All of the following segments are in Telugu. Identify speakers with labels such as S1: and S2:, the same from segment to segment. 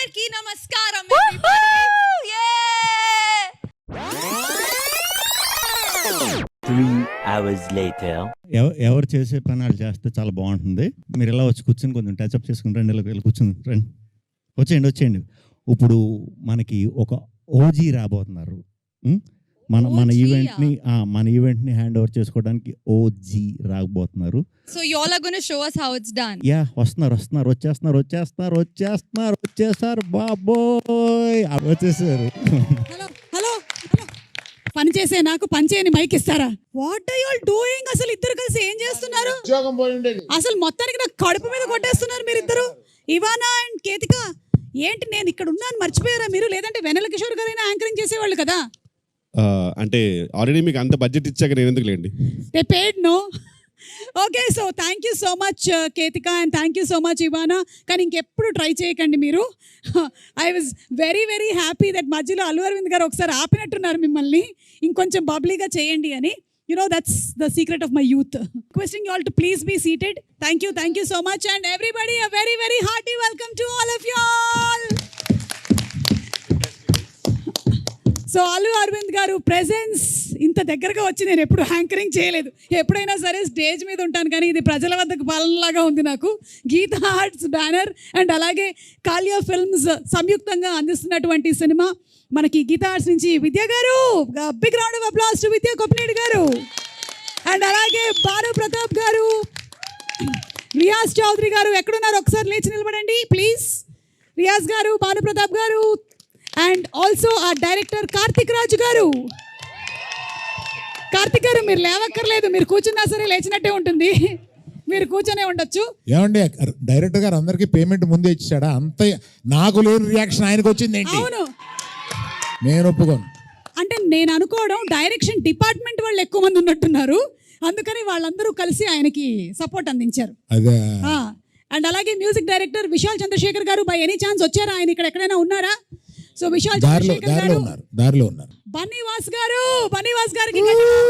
S1: అందరికీ నమస్కారం.
S2: 3 hours later.
S3: ఎవరు చేసే పని వాళ్ళు చేస్తే చాలా బాగుంటుంది. మీరు ఇలా వచ్చి కూర్చొని కొంచెం టచ్అప్ చేసుకుని రండి, ఇలా కూర్చుని రండి, వచ్చేయండి. ఇప్పుడు మనకి ఒక ఓజీ రాబోతున్నారు. మన ఈవెంట్ని హ్యాండ్ ఓవర్ చేసుకోవడానికి ఓజీ రాబోతున్నారు.
S1: So you all are going to show us how it's done.
S3: Yeah, వచ్చేస్తారు బాబోయ్, వచ్చేసారు.
S4: హలో పని చేసే నాకు పని చేయని మైక్ ఇస్తారా? What are you all doing? అసలు ఇద్దరు కలిసి ఏం చేస్తున్నారు? అసలు మొత్తానికి నాకు కడుపు మీద కొట్టేస్తున్నారు మీరిద్దరు. ఇవానా అండ్ కేతిక, ఏంటి నేను ఇక్కడ ఉన్నాను మర్చిపోయారా మీరు? లేదంటే వెన్నెల కిషోర్ గారైనా యాంకరింగ్ చేసేవాళ్ళు కదా.
S5: అంటే ఆల్రెడీ మీకు అంత బడ్జెట్ ఇచ్చాక నేను ఎందుకు లేండి.
S4: They paid no. Okay, so thank you so much Ketika and thank you so much Ivana. కానీ ఇంకెప్పుడు ట్రై చేయకండి మీరు. I was very very happy that మధ్యలో అల్లు అరవింద్ గారు ఒకసారి ఆపినట్టున్నారు మిమ్మల్ని, ఇంకొంచెం బబ్లీగా చేయండి అని. You know, that's the secret of my youth. Requesting you all to please be seated. Thank you so much, and everybody a very very hearty welcome to all of you all. So Allu Aravind గారు ప్రెజెన్స్ ఇంత దగ్గరగా వచ్చి నేను ఎప్పుడు యాంకరింగ్ చేయలేదు. ఎప్పుడైనా సరే స్టేజ్ మీద ఉంటాను, కానీ ఇది ప్రజల వద్దకు పాలనలాగా ఉంది నాకు. గీతా ఆర్ట్స్ బ్యానర్ అండ్ అలాగే కాలియా ఫిల్మ్స్ సంయుక్తంగా అందిస్తున్నటువంటి సినిమా మనకి గీతా ఆర్ట్స్ నుంచి విద్య గారు, big round of applause to Vidya Koppanedu గారు, అండ్ అలాగే భాను ప్రతాప్ గారు, రియాజ్ చౌదరి గారు. ఎక్కడున్నారు? ఒకసారి లేచి నిలబడండి ప్లీజ్. రియాజ్ గారు, భాను ప్రతాప్ గారు, and also uh director Karthik Raju గారు. కార్తిక్ గారు మీరు లేవక్కర్లేదు, మీరు కూర్చున్నా సరే లేచినట్టే ఉంటుంది, మీరు కూర్చొనే ఉండొచ్చు.
S6: ఏమండి డైరెక్టర్ గారు అందరికి పేమెంట్ ముందే ఇచ్చాడా? అంత నాకు లేని రియాక్షన్ ఆయనకు వచ్చింది ఏంటి?
S4: అవును,
S6: నేను ఒప్పుకోను.
S4: అంటే నేను అనుకోవడం డైరెక్షన్ డిపార్ట్మెంట్ వాళ్ళు ఎక్కువ మంది ఉన్నట్టున్నారు, అందుకని వాళ్ళందరూ కలిసి ఆయనకి సపోర్ట్ అందించారు.
S6: అదే.
S4: అండ్ అలాగే మ్యూజిక్ డైరెక్టర్ విశాల్ చంద్రశేఖర్ గారు, బై ఎనీ ఛాన్స్ వచ్చారా? ఆయన ఇక్కడ ఎక్కడైనా ఉన్నారా? సో విశాల్ చంద్రశేఖర్ గారు,
S6: దారిలో ఉన్నారు.
S4: బన్నీవాస్ గారికి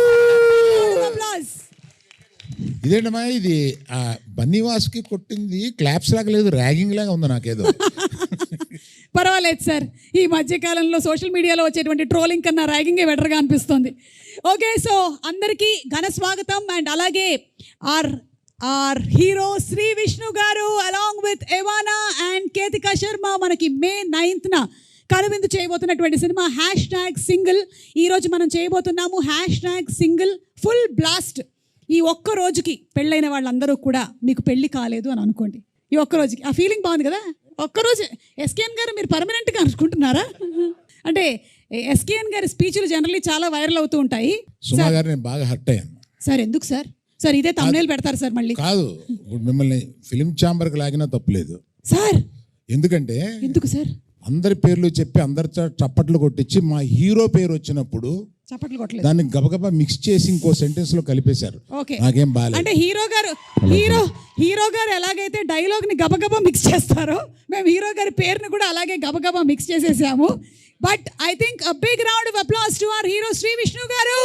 S6: ఇదేంటమ్మా ఇది? బన్నీవాస్కి కొట్టింది క్లాప్స్ లాగా లేదు, ర్యాగింగ్ లాగా ఉంది నాకేదో.
S4: పర్వాలేదు సార్, ఈ మధ్యకాలంలో సోషల్ మీడియాలో వచ్చేటువంటి ట్రోలింగ్ కన్నా ర్యాగింగే బెటర్గా అనిపిస్తుంది. ఓకే, సో అందరికీ ఘన స్వాగతం. అండ్ అలాగే ఆర్ హీరో శ్రీ విష్ణు గారు along with Ivana and Ketika Sharma మనకి May 9th కనువిందు చేయబోతున్నటువంటి సినిమా #సింగిల్. ఈరోజు మనం చేయబోతున్నాము #సింగిల్ ఫుల్ బ్లాస్ట్. ఈ ఒక్క రోజుకి పెళ్ళైన వాళ్ళందరూ కూడా మీకు పెళ్ళి కాలేదు అని అనుకోండి. ఈ ఒక్క రోజుకి ఆ ఫీలింగ్ బాగుంది కదా. ఒక్కరోజు ఎస్కేఎన్ గారు మీరు పర్మనెంట్గా అనుకుంటున్నారా? అంటే ఎస్కేఎన్ గారి స్పీచ్లు జనరల్లీ చాలా వైరల్ అవుతూ ఉంటాయి.
S6: సుమా గారు నేను బాగా హర్ట్ అయ్యాను
S4: సార్. ఎందుకు సార్? సార్ ఇదే తమ్నేల్ పెడతారు సార్ మళ్ళీ.
S6: కాదు, మిమ్మల్ని ఫిలిం ఛాంబర్కి లాగినా తప్పులేదు
S4: సార్.
S6: ఎందుకు
S4: సార్?
S6: అందరి పేర్లు చెప్పి అందరి చప్పట్లు కొట్టించి మా హీరో పేరు వచ్చినప్పుడు
S4: చప్పట్లు కొట్టలేదు,
S6: దాన్ని గబగబా మిక్స్ చేసి ఇంకో సెంటెన్స్ లో కలిపేశారు. నాకేం బాలేదు.
S4: అంటే హీరో గారు ఎలాగైతే డైలాగ్ ని గబగబా మిక్స్ చేస్తారో మేము హీరో గారి పేరుని కూడా అలాగే గబగబా మిక్స్ చేసేసాము. But I think a big round of applause to our hero Sri Vishnu గారు.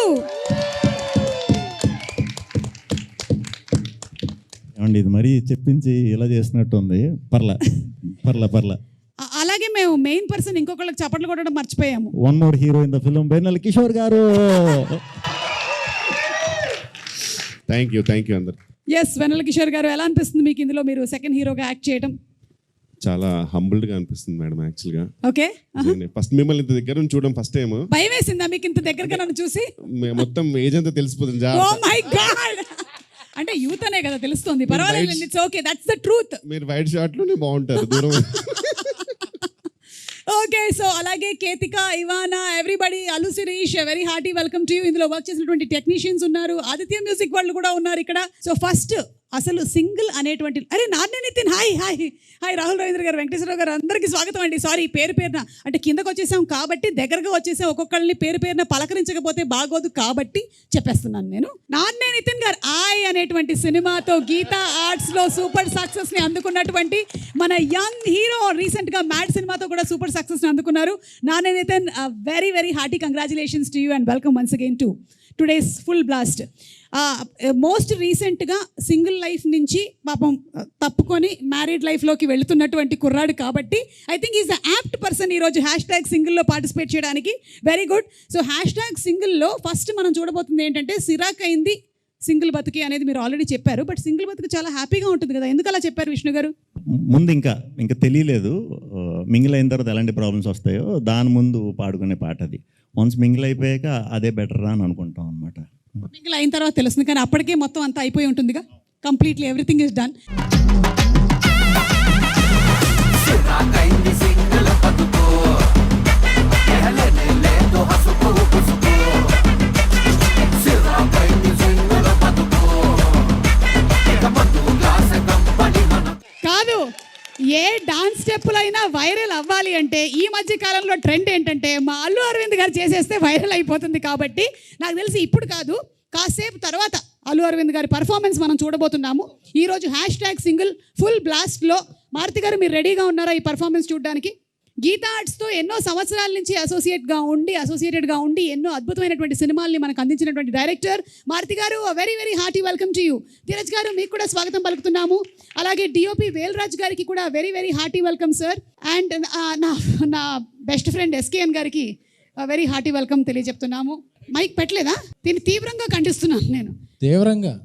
S3: ఏమండి ఇది మరీ చెప్పించి ఇలా చేసినట్టు ఉంది. పర్లా.
S4: అలాగే మేము మెయిన్ పర్సన్ ఇంకొకళ్ళకి చప్పట్లు కొట్టడం మర్చిపోయాము.
S3: One more hero in the film, Vennela Kishore గారు.
S5: థ్యాంక్ యూ అందరు.
S4: ఎస్, వెన్నెల కిషోర్ గారు, ఎలా అనిపిస్తుంది మీకు ఇందులో మీరు సెకండ్ హీరోగా యాక్ట్ చేయడం?
S5: చాలా హంబుల్డ్ గా అనిపిస్తుంది మేడం. యాక్చువల్ గా
S4: ఓకే,
S5: ఫస్ట్ మిమ్మల్ని ఇంత దగ్గర నుంచి చూడడం ఫస్ట్ టైం.
S4: భయం వేసిందా మీకు ఇంత దగ్గరగా నన్ను చూసి?
S5: మొత్తం ఏజ్ అంతా తెలిసిపోతుంది.
S4: ఓ మై గాడ్, అంటే యూత్ అనే కదా తెలుస్తుంది. పర్వాలేదు, it's okay, that's the truth.
S5: మీరు వైడ్ షాట్ లోనే బాగుంటారు దూరం.
S4: ఓకే, సో అలాగే Ketika, Ivana, everybody, Allu Sirish, very hearty welcome to you. ఇందులో వర్క్ చేసినటువంటి టెక్నీషియన్స్ ఉన్నారు, ఆదిత్య మ్యూజిక్ వాళ్ళు కూడా ఉన్నారు ఇక్కడ. సో ఫస్ట్ అసలు సింగిల్ అనేటువంటి నాన్నే నితిన్, హాయ్ రాహుల్ రవీంద్ర గారు, వెంకటేశ్వరరావు గారు, అందరికీ స్వాగతం అండి. సారీ పేరున అంటే కిందకు వచ్చేసాం కాబట్టి దగ్గరగా వచ్చేసాం, ఒక్కొక్కళ్ళని పేరున పలకరించకపోతే బాగోదు కాబట్టి చెప్పేస్తున్నాను నేను. నాన్నే నితిన్ గారు అనేటువంటి సినిమాతో గీతా ఆర్ట్స్ లో సూపర్ సక్సెస్ ని అందుకున్నటువంటి మన యంగ్ హీరో, రీసెంట్ గా మ్యాడ్ సినిమాతో కూడా సూపర్ సక్సెస్ ని అందుకున్నారు. నాన్నే Nithin, very very hearty congratulations to you and welcome once again to today's full blast. Most రీసెంట్గా సింగిల్ లైఫ్ నుంచి పాపం తప్పుకొని మ్యారీడ్ లైఫ్లోకి వెళుతున్నటువంటి కుర్రాడు కాబట్టి I think is the apt person ఈరోజు #సింగిల్లో పార్టిసిపేట్ చేయడానికి. Very good. సో #సింగిల్లో ఫస్ట్ మనం చూడబోతుంది ఏంటంటే సిరాక్ అయింది సింగిల్ బతుకి అనేది మీరు ఆల్రెడీ చెప్పారు. బట్ సింగిల్ బతుకు చాలా హ్యాపీగా ఉంటుంది కదా, ఎందుకు అలా చెప్పారు విష్ణు గారు?
S3: ముందు ఇంకా తెలియలేదు మింగిల్ అయిన తర్వాత ఎలాంటి ప్రాబ్లమ్స్ వస్తాయో దాని ముందు పాడుకునే పాట అది. వన్స్ మింగిల్ అయిపోయాక అదే బెటర్ అని అనుకుంటాం అనమాట.
S4: మింగిల్ అయిన తర్వాత తెలుస్తుంది, కానీ అప్పటికే మొత్తం అంతా అయిపోయి ఉంటుందిగా, కంప్లీట్లీ ఎవ్రీథింగ్ ఇస్ డన్. కాదు, ఏ డాన్స్ స్టెప్పులైనా వైరల్ అవ్వాలి అంటే ఈ మధ్య కాలంలో ట్రెండ్ ఏంటంటే మా అల్లు అరవింద్ గారు చేసేస్తే వైరల్ అయిపోతుంది. కాబట్టి నాకు తెలిసి ఇప్పుడు కాదు, కాసేపు తర్వాత అల్లు అరవింద్ గారి పర్ఫార్మెన్స్ మనం చూడబోతున్నాము. ఈరోజు #సింగిల్ ఫుల్ బ్లాస్ట్లో మారుతి గారు మీరు రెడీగా ఉన్నారా ఈ పర్ఫార్మెన్స్ చూడడానికి? గీతా ఆర్ట్స్తో ఎన్నో సంవత్సరాల నుంచి అసోసియేటెడ్గా ఉండి ఎన్నో అద్భుతమైనటువంటి సినిమాల్ని మనకు అందించినటువంటి డైరెక్టర్ మారుతి గారు, very very hearty welcome to you. Dheeraj గారు మీకు కూడా స్వాగతం పలుకుతున్నాము. అలాగే డిఓపి వేల్రాజ్ గారికి కూడా very very hearty welcome sir. And నా బెస్ట్ ఫ్రెండ్ ఎస్కేఎన్ గారికి వెరీ హార్టీ వెల్కమ్ తెలియజెప్తున్నాము. మైక్ పెట్టలేదా? దీన్ని తీవ్రంగా ఖండిస్తున్నాను నేను.
S7: తీవ్రంగా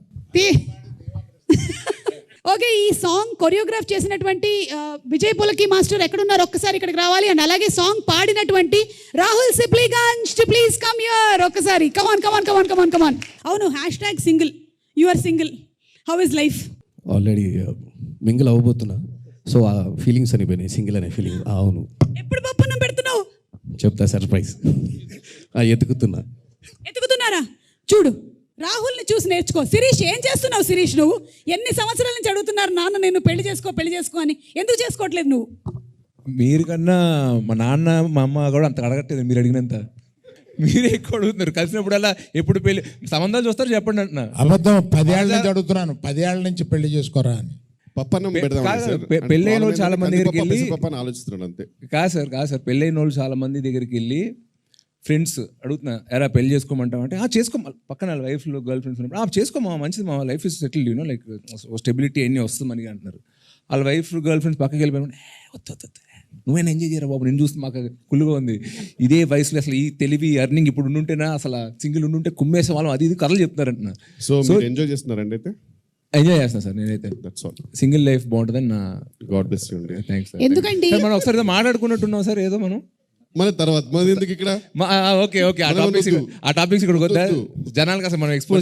S4: ఓకే, ఈ సాంగ్ కొరియోగ్రాఫ్ చేసినటువంటి విజయ్ పులకి మాస్టర్ ఎక్కడున్నారు ఒక్కసారి ఇక్కడికి రావాలి. అండ్ అలాగే సాంగ్ పాడినటువంటి Rahul Sipligunj please come here ఒక్కసారి. కమాన్. అవును, #single you are single, how is life?
S7: Already mingle అవ్వబోతున్నా, సో ఆ ఫీలింగ్స్ అనిపోయినాయి, సింగిల్ అనే ఫీలింగ్. అవును,
S4: ఎప్పుడు పప్పున్నం పెడుతున్నావు?
S7: చెప్తా, సర్ప్రైజ్.
S4: ఎత్తుకుతున్నారా? చూడు, రాహుల్ని చూసి నేర్చుకో. శిరీష్ ఏం చేస్తున్నావు? శిరీష్ నువ్వు ఎన్ని సంవత్సరాల నుంచి అడుగుతున్నారు నాన్న నేను పెళ్లి చేసుకో అని, ఎందుకు చేసుకోవట్లేదు నువ్వు?
S8: మీరు కన్నా మా నాన్న మా అమ్మ కూడా అంత అడగట్లేదు మీరు అడిగినంత. మీరే ఎక్కువ అడుగుతున్నారు. కలిసినప్పుడల్లా ఎప్పుడు పెళ్లి సంబంధాలు చూస్తారు చెప్పండి అంటున్నా.
S6: అబద్ధం. 10 ఏళ్ళ నుంచి అడుగుతున్నాను, 10 ఏళ్ళ నుంచి పెళ్లి చేసుకోరా అని.
S5: పప్పన్నం పెడదాం సార్.
S8: పెళ్ళైన వాళ్ళు చాలా మంది దగ్గరికి వెళ్ళి
S5: ఆలోచిస్తున్నాడు అంతే.
S8: కాదు సార్ పెళ్ళైన వాళ్ళు చాలా మంది దగ్గరికి వెళ్ళి ఫ్రెండ్స్ అడుగుతున్నా, ఎరా పెళ్లి చేసుకోమంటావు అంటే చేసుకో, పక్కన వైఫ్లో గర్ల్ ఫ్రెండ్స్ ఉన్నప్పుడు చేసుకోమా, మంచిది మా life is settled you know, like stability అన్నీ వస్తుంది మనకి అంటున్నారు. వాళ్ళ వైఫ్ గర్ల్ ఫ్రెండ్స్ పక్కకి వెళ్ళిపోయిన వద్దు నువ్వేనా ఎంజాయ్ చేయరా బాబు, నేను చూస్తే మాకు కుళ్ళుగా ఉంది. ఇదే వయసులో అసలు ఈ తెలివి అర్నింగ్ ఇప్పుడు ఉండుంటేనా, అసలు సింగిల్ ఉండుంటే కుమ్మేసే వాళ్ళం అది ఇది కథలు చెప్తున్నారంటున్నా.
S5: సో ఎంజాయ్ చేస్తున్నారండి అయితే?
S8: ఎంజాయ్ చేస్తాను సార్ నేనైతే. సింగిల్ లైఫ్ బాగుంటుందని నా
S5: గాడ్ బ్లెస్ యూ అండి.
S8: Thanks sir.
S4: ఎందుకండి
S8: మనం ఒకసారి మాట్లాడుకున్నట్టున్నాం సార్ ఏదో మనం
S5: మన తర్వాత మన ఎందుకు ఇక్కడ.
S8: ఓకే ఆ టాపిక్స్ ఇక్కడ వద్దా, జనాలకు అసలు మనం ఎక్స్పోజ్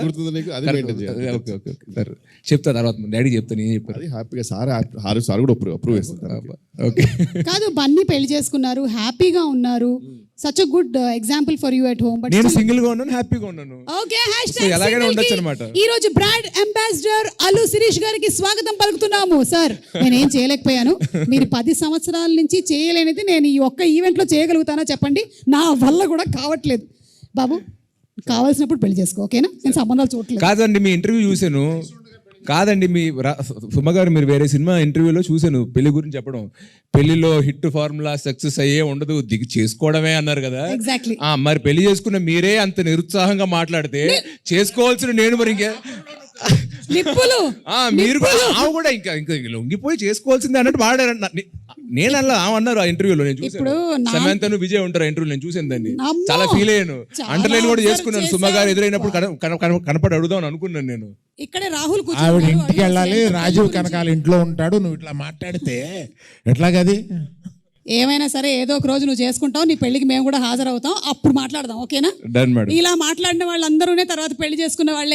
S8: సార్. చెప్తా తర్వాత డాడీ చెప్తాను, ఏం చెప్పారు
S5: అది హ్యాపీగా సార్ కూడా అప్రూవ్ చేస్తారు.
S8: ఓకే
S4: కాదు, బన్నీ పెళ్లి చేసుకున్నారు, హ్యాపీగా ఉన్నారు. Such a good example for you at home. But
S8: నేను సింగిల్ గా ఉన్నాను, హ్యాపీగా ఉన్నాను.
S4: ఓకే,
S8: ఎలాగైనా ఉండొచ్చు అన్నమాట.
S4: ఈ రోజు బ్రాండ్ అంబాసిడర్ అల్లు శిరీష్ గారికి స్వాగతం పలుకుతున్నాము. సార్ నేనేం చేయలేకపోయాను, మీరు 10 సంవత్సరాల నుంచి చేయలేనిది నేను ఈ ఒక్క ఈవెంట్ లో చేయగలుగుతానా చెప్పండి? నా వల్ల కూడా కావట్లేదు. బాబు కావాల్సినప్పుడు పెళ్లి చేసుకో, ఓకేనా? నేను సంబంధాలు చూడట్లేదు.
S8: కాదండి, మీ ఇంటర్వ్యూ చూశాను. కాదండి, మీ సుమ గారు మీరు వేరే సినిమా ఇంటర్వ్యూలో చూశాను పెళ్లి గురించి చెప్పడం. పెళ్లిలో హిట్ ఫార్ములా సక్సెస్ అయ్యే ఉండదు, దిగి చేసుకోవడమే అన్నారు కదా.
S4: ఎగ్జాక్ట్లీ.
S8: మరి పెళ్లి చేసుకున్న మీరే అంత నిరుత్సాహంగా మాట్లాడితే చేసుకోవాల్సిన నేను మరి ఇంకా మీరు కూడా ఇంకా లొంగిపోయి చేసుకోవాల్సిందే అన్నట్టు వాడారంట. నేను అలా అన్నారు ఆ ఇంటర్వ్యూలో. నేను చూసాను, సమంతను విజయ్ ఉంటారు ఇంటర్వ్యూ, నేను చూసాను దాన్ని, చాలా ఫీల్ అయ్యాను. అండర్లైన్ కూడా చేసుకున్నాను. సుమ గారు ఎదురైనప్పుడు కనపడి అడుగుదాం అనుకున్నాను నేను.
S4: ఇక్కడే రాహుల్
S6: ఆవిడ ఇంటికి వెళ్ళాలి, రాజీవ్ కనకాల ఇంట్లో ఉంటాడు, నువ్వు ఇట్లా మాట్లాడితే ఎట్లాగది?
S4: ఏమైనా సరే ఏదో ఒక రోజు నువ్వు చేసుకుంటావు, నీ పెళ్లికి మేము కూడా హాజరవుతాం, అప్పుడు మాట్లాడదాం, ఓకేనా?
S8: Done madam.
S4: ఇలా మాట్లాడిన వాళ్ళందరూనే తర్వాత పెళ్లి చేసుకున్న వాళ్ళే.